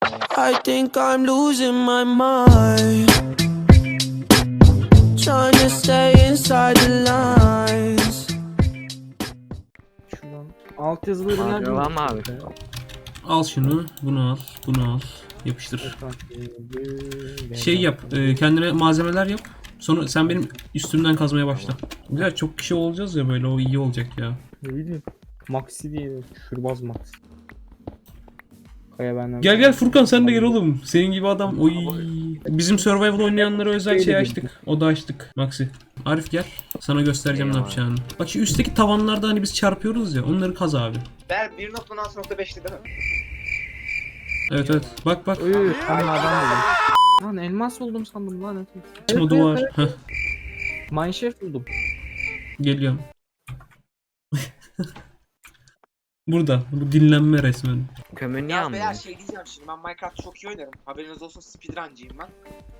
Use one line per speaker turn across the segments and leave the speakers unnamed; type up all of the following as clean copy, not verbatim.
I think I'm losing my mind, trying to stay inside the lines.
Şuradan alt yazıları nerede?
Mavi var mı abi?
Al şunu, bunu al, bunu al. Yapıştır. Şey yap, kendine malzemeler yap. Sonra sen benim üstümden kazmaya başla. Güzel, çok kişi olacağız ya böyle, o iyi olacak ya.
Ne bileyim. Maxi diye. Şurbaz Maxi. Kaya benden.
Gel gel Furkan, sen de gel oğlum. Senin gibi adam. Oy. Bizim survival oynayanlara özel şey açtık. O da açtık. Maxi. Arif gel. Sana göstereceğim ne yapacağını. Bak şu üstteki tavanlarda hani biz çarpıyoruz ya. Onları kaz abi.
Ver 1.6.5'ti değil mi?
Evet evet. Bak bak.
Uy, tam adam buldum. Lan elmas buldum sandım lan.
Açma duvar. Heh.
Mineshaft buldum.
Geliyorum. Burada. Bu dinlenme resmen.
Kömür niye
Ya beyler
almıyor?
şey diyeceğim şimdi ben Minecraft çok iyi oynarım. Haberiniz olsun speedruncıyım ben.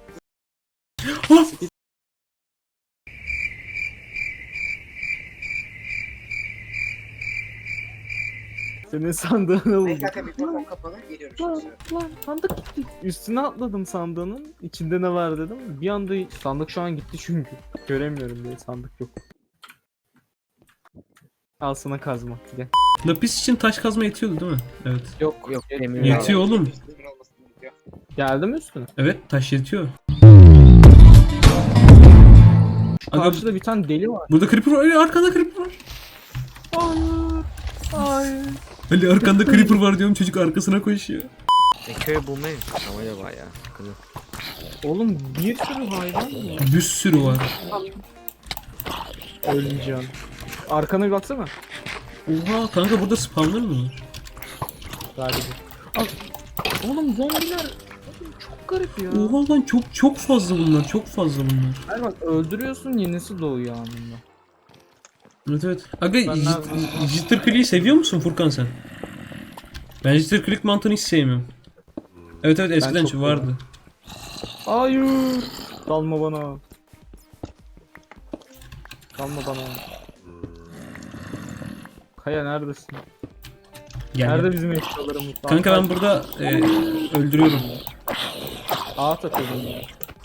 Senin sandığını buldum.
Minecraft'ta mikrofon kapalı geliyorum şimdi.
Lan sandık gitti. Üstüne atladım sandığının. İçinde ne var dedim. Bir anda sandık şu an gitti çünkü. Göremiyorum diye sandık yok. Al sana kazma. Gel.
Lapis için taş kazma yetiyordu değil mi? Evet.
Yok
Yok,
yetmiyor.
demir
Yetiyor oğlum.
Demir olmasın diyor.
Geldi mi üstüne?
Evet, taş yetiyor. Aga,
Karşıda bir tane deli var.
burada creeper var. Ali, arkanda creeper var.
Hayır. Hayır.
Ali, arkanda creeper var diyorum, çocuk arkasına koşuyor.
Köy bulmayı ama ya bayağı sıkıntı.
Oğlum bir sürü hayvan mı?
Bir sürü var.
Ölmeyeceğim. Arkana bir baksana.
Oha kanka, burada spawner mı var?
Galiba. Al. Oğlum zombiler çok garip ya.
Oha lan, çok fazla bunlar, çok fazla bunlar.
Hayır bak öldürüyorsun yenisi doğuyor anında.
Evet evet. Aga,
Ben
jitter click'i seviyor musun Furkan sen? Ben jitter click mantığını hiç sevmiyorum. Evet evet, eskiden
çok
vardı.
Hayır. Dalma bana. Dalma bana. Kaya neredesin?
Gel,
Nerede
gel.
bizim eşyalarımız?
Kanka ben burada öldürüyorum.
Ağa takıldım ya.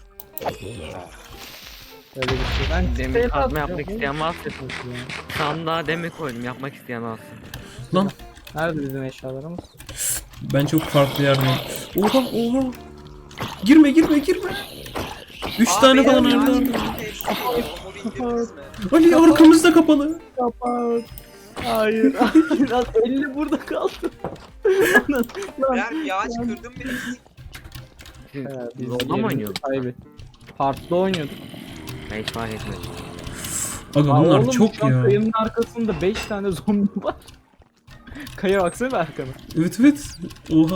Öyle bir şey. Ben
Demir
siteyle
kazma
atacağım.
yapmak isteyen varsa sandığa demir koydum, yapmak isteyen varsa.
Lan
Nerede bizim eşyalarımız?
ben çok farklı yerdeyim. Oha oha. Girme girme girme. 3 tane falan
beyler,
nerede?
ya, indirdiniz mi?
Ali, arkamızda kapalı.
Kapat. Hayır. Hayır. Lan 50 burada kaldı. Lan.
Beyler bir ağaç kırdım bile.
Siz
Biz
Rolda mı
yerimizi
oynuyordunuz?
kaybettik. Part'ta oynuyorduk.
Ben hiç fark etmedim.
Aga
Aa,
bunlar
oğlum,
çok
şu an
ya.
Kayanın arkasında 5 tane zombi var. Kaya baksana arkana.
Evet evet. Oha.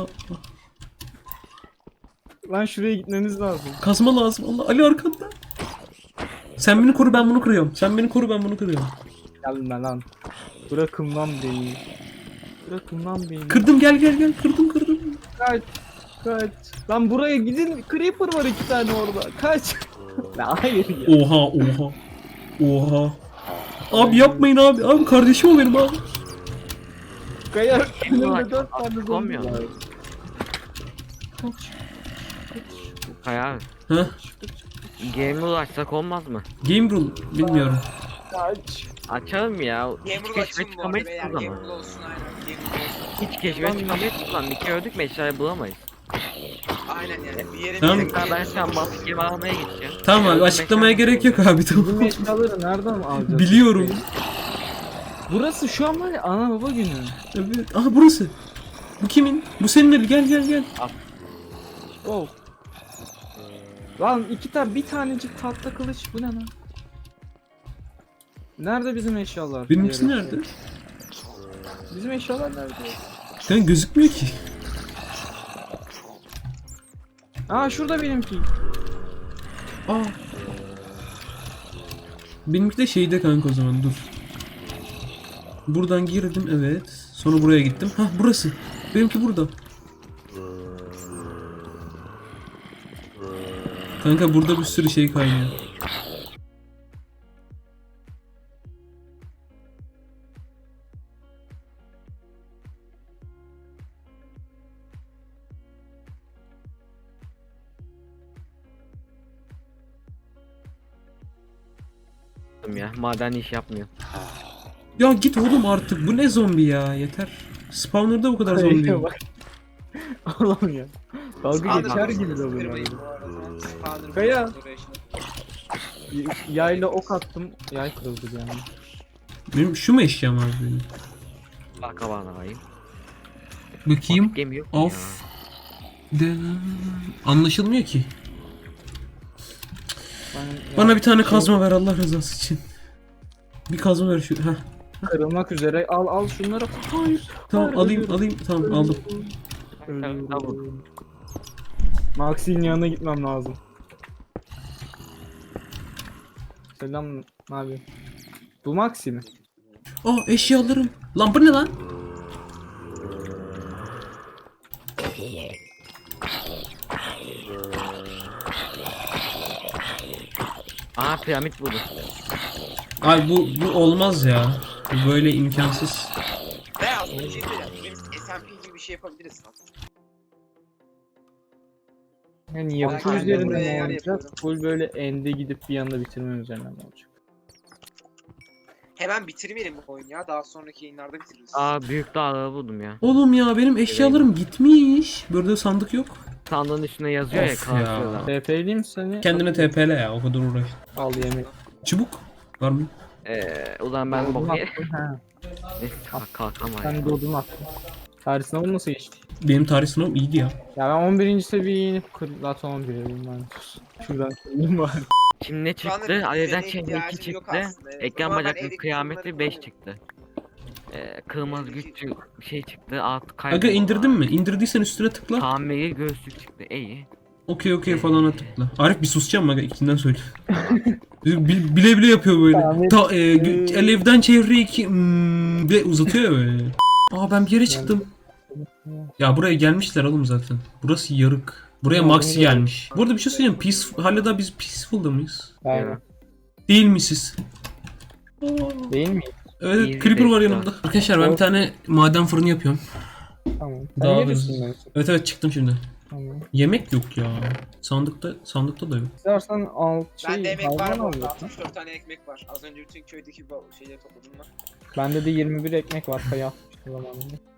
Lan şuraya gitmemiz lazım.
Kazma lazım. Allah, Ali arkanda. Sen beni koru, ben bunu kırıyorum. Sen beni koru, ben bunu kırıyorum.
Gelme lan. Bırakın lan beni. Bırakın lan beni.
Kırdım, gel gel gel. Kırdım kırdım.
Kaç. Kaç. Lan buraya gidin. Creeper var 2 tane orada. Kaç. La hayır ya.
Oha oha. Oha. Abi yapmayın abi. Abi kardeşim o benim abi.
Kaya önümde
Ulan,
4 tane zombi
atlamıyor.
var. Kaç.
Kaya abi.
Heh.
Game'e ulaşsak olmaz mı?
Game rule bilmiyorum.
Kaç.
Açalım ya. Hiç
Gamer
keşfe
açın bu arada
çıkamayız
beyler.
o zaman.
Gamer olsun aynen. Gamer olsun.
Hiç keşfe çıkamayız o zaman. Bir kere öldük mü eşyayı bulamayız.
Aynen yani bir yere
Tamam.
bir yere
Tekrar ben şu an balık yemi almaya gideceğim.
Tamam abi, açıklamaya gerek yok abi,
Bizim
tamam.
eşyaları nereden alacağız?
Biliyorum.
Burası şu an var ya ana baba günü.
Evet. Aha burası. Bu kimin? Bu senin evi. Gel gel gel.
Oh. Lan bir tanecik tahta kılıç bu ne lan? Nerede bizim eşyalar?
Benimkisi
Diğer
nerede?
eşyalar. Bizim eşyalar nerede?
Sen gözükmüyor ki.
Aa şurada benimki.
Aa. Benimki de şeyde kanka, o zaman dur. Buradan girdim, evet. Sonra buraya gittim. Hah, burası. Benimki burada. Kanka burada bir sürü şey kaynıyor.
yaptım ya. Maden iş yapmıyor.
Ya git oğlum artık. Bu ne zombi ya? Yeter. Spawner'da bu kadar zombi.
Kayaya bak. Allah'ım ya. Dalga
Aa,
geçer
ben
gibi
Spawner'ı
de
kırmayın
oluyor.
bu arada. Spawner'ı
Kaya.
restoration.
Yayla ok attım. Yay kırıldı yani.
Benim şu mu eşyam abi benim?
Bak bana bakayım.
Bakayım.
Gemi yok mu
Of. Anlaşılmıyor ki. Bana bir tane kazma ver Allah rızası için. Bir kazma ver şu. Heh.
Kırılmak üzere. Al şunları. Hayır.
Tamam
Hayır,
alayım. Tamam aldım.
Ölüyorum. Maxi'nin yanına gitmem lazım. Selam, ne yapıyorsun? Bu Maxi mi?
Aa eşyalarım. Lan bu ne lan?
Aa piramit buldum.
Abi bu olmaz ya. Bu böyle imkansız.
Veya bir şey söyleyeceğim. Biz SMP gibi bir şey yapabiliriz lan.
Yani yapı
Ben
üzerinde
buraya
mi
yer
olacak?
yapıyorum.
Full böyle ende gidip bir anda bitirme üzerine mi olacak?
Hemen bitirmeyelim bu oyunu ya. Daha sonraki yayınlarda bitiririz.
Aa büyük dağları buldum ya.
Oğlum ya benim eşyalarım gitmiş. Burada sandık yok.
Sandığın üstüne yazıyor ya
Of
kalkıyorlar.
TP'liyim seni.
Kendine TP'le ya o kadar uğraş.
Al yemek.
Çubuk var mı?
Ulan ben
Odun
bok ye.
attım, ha.
Neyse kalkamayız.
Sen de odun attın. Tarih sınavı nasıl geçti?
Benim tarih sınavım iyiydi ya.
Ya ben 11. seviyeye inip zaten 11'e ben. Şuradan söyleyeyim bari.
Şimdi ne
Şu anda
çıktı? Alevden
düzene
çengi 2
ihtiyacım yok
çıktı.
aslında, evet. O
Ekran
zaman ben
bacaklı
evdeki
kıyameti
sorunları
5
kullanırım.
çıktı. Kırmızı güç şey çıktı. Alt
Aga
kaybolma.
indirdin mi? İndirdiysen üstüne tıkla.
Tamiri göğüslük çıktı. İyi.
Okey falana tıkla. Arif bir susacağım aga ikinden söyle. Bile bile yapıyor böyle. Alevden çevre 2 de uzatıyor ya böyle. Aa ben bir yere çıktım. Ya buraya gelmişler oğlum zaten. Burası yarık. Buraya Maxi gelmiş. Bu arada bir şey söyleyeyim. Hala biz Peaceful'da mıyız?
Aynen.
Değil misiniz?
Değil mi?
Evet,
İyi,
Creeper var
bekle.
yanımda. Arkadaşlar ben bir tane maden fırını yapıyorum.
Tamam.
Daha
Daha
hızlı. Evet çıktım şimdi.
Tamam.
Yemek yok ya. Sandıkta da yok.
İstersen al
Bende emek var
hayvan
bu
al
arada.
zaten.
64 tane ekmek var. Az önce bütün köydeki bu şeyleri topladım ben.
Bende de 21 ekmek var. Kaya atmıştım zamanında.